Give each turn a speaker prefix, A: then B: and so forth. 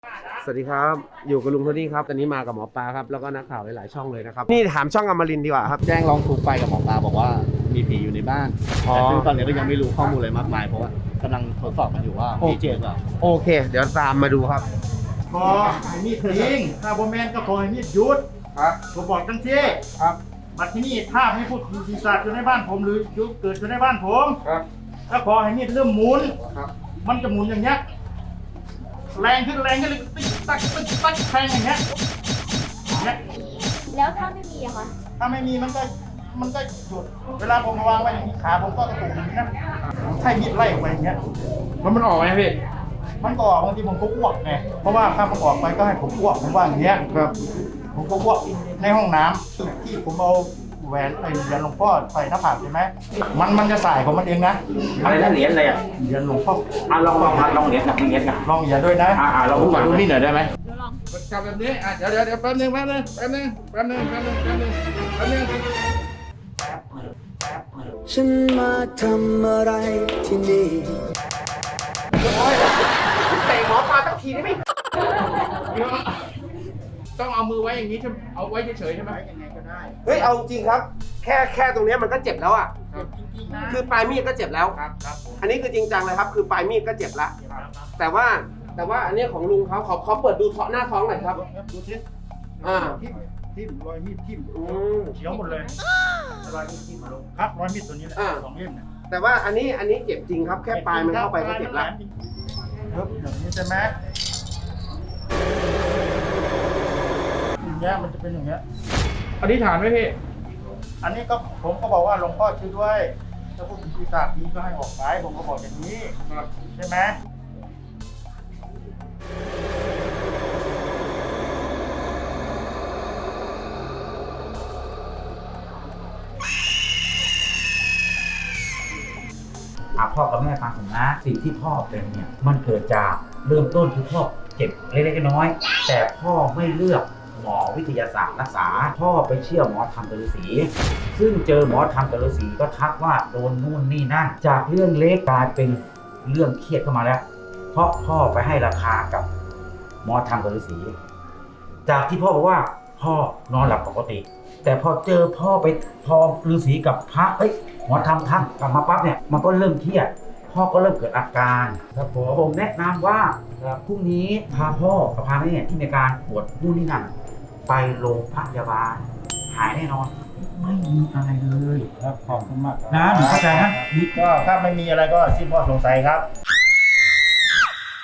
A: สวัสดีครับอยู่กับลุงโทนี่ครับตอนนี้มากับหมอปลาครับแล้วก็นักข่าวหลายๆช่องเลยนะครับนี่ถามช่องอมรินทร์ดีกว่าครับ
B: แจ้งร้องทุกข์ไปกับหมอปลาบอกว่ามีผีอยู่ในบ้านแต่ซึ่งตอนนี้ก็ยังไม่รู้ข้อมูลอะไรมากมายเพราะว่ากำลังทดสอบกันอยู่ว่ามีจริงหรือเปล่า
A: โอเค เดี๋ยวตามมาดูครับ
C: ขอให้มีดทิ้งถ้าบ่แมนก็ขอให้มีดหยุด
A: ครับ
C: ผมบอกทั้งที่
A: ครับ
C: บัดที่นี่ถ้าไม่พูดผีปีศาจอยู่ในบ้านผมหรือยุเกิดอยู่ในบ้านผม
A: ครับ
C: ถ้าขอให้มีดเริ่มหมุน
A: ครับ
C: มันจะหมุนอย่างเงี้ยแรงขึ้นเลยติ๊กตักติ๊กตักแทงอย่างเงี้ยอย่างเงี้ย
D: แล้วถ้าไม่มีอะคะ
C: ถ้าไม่มีมันก็หยุดเวลาผมมาวางไว้อย่างนี้ขาผมก็กระตุกอย่างนี้นะใช่มีดไล่ออกไปอย่างเงี้ย
A: แล้วมันออกไหมพี่
C: มันก็ออกบางทีผมก็อ้วกไงเพราะว่าถ้ามันออกไปก็ให้ผมอ้วกผมว่าอย่างเงี้ย
A: ครับ
C: ผมก็อ้วกในห้องน้ำจุดที่ผมเอาแหวนไอ้เหรียญหลวงพ่อใส่หน้าผากใช่ไหมมันจะสายของมันเองนะ
E: อะไรนะเหรียญอะไรอ่ะ
C: เหรียญหลวงพ่อ
E: ลองเหรียญกับเหรียญกับ
C: ลองอย่าด้วยนะ
E: ลองดูก่อนดูนี่หน่อยได้ไหม
B: จับแบบนี้เดี๋ยวแป๊บนึง
F: ฉันมาทำอะไรที่นี่
A: เตะหมอปลาสักทีได้ไหม
B: ต้องเอามือไว้อย่างนี้ใช่ไหมเอาไว้เฉยๆใช่ไหม
C: ยังไงก็ได้
A: เฮ้ยเอาจริงครับ แค่ตรงเนี้ยมันก็เจ็บแล้วอ่ะ
C: จริงๆนะ
A: คือปลายมีดก็เจ็บแล้ว
C: ครับผม
A: อันนี้คือจริงจังเลยครับ คือปลายมีดก็เจ็บละแต่ว่าอันเนี้ยของลุงเขาขอเปิดดูหน้าท้องหน่อยครับ
C: ดูทิศ
A: อ่า
C: ทิ่มรอยมีดทิ่ม
A: อืม
C: เขียวหมดเลยรอยมีดทิ่มลงครับรอยมีดตัวนี้แหละ
A: อ่า
C: 2 เล่มเนี่ย
A: แต่ว่าอันนี้เจ็บจริงครับ แค่ปลายมันเข้าไปก็เจ็บละ
C: ครับอย่างนี้ใช่ไหมอย่างเงี้ยมันจะเป็นอย่างเงี้ย
B: อธิษฐานไหมพี่
C: อันนี้ก็ผมก็บอกว่าหลวงพ่อช่วยด้วยถ้าพวกปีศาจนี้ก็ให้ออกไปผมก็บอกอย่างนี้ใช่ไหม
E: พ่อกับแม่ฟังผมนะสิ่งที่พ่อเป็นเนี่ยมันเกิดจากเริ่มต้นคือพ่อเจ็บเล็กๆน้อยๆแต่พ่อไม่เลือกหมอวิทยาศาสตร์รักษาพ่อไปเชื่อหมอธรรมฤาษีซึ่งเจอหมอธรรมฤาษีก็ทักว่าโดนนู่นนี่นั่น จากเรื่องเล็กกลายเป็นเรื่องเครียดเข้ามาแล้ว เพราะพ่อไปให้ราคากับหมอธรรมฤาษีจากที่พ่อบอกว่าพ่อนอนหลับปกติ แต่พอเจอพ่อไปพอฤาษีกับพระหมอทำทักกลับมาปั๊บเนี่ยมันก็เริ่มเครียดพ่อก็เริ่มเกิดอาการครับผมแนะนำว่าพรุ่งนี้พาพ่อกับพาแม่ที่มีอาการปวดนู่นนี่นั่นไปโรงพยาบาลหายแน่นอนไม่มีอะไรเลย
C: ครับขอบคุณมาก
E: นะหนูเข้าใจนะ
C: ก็ถ้าไม่มีอะไรก็สิ้นข้อสงสัยครับ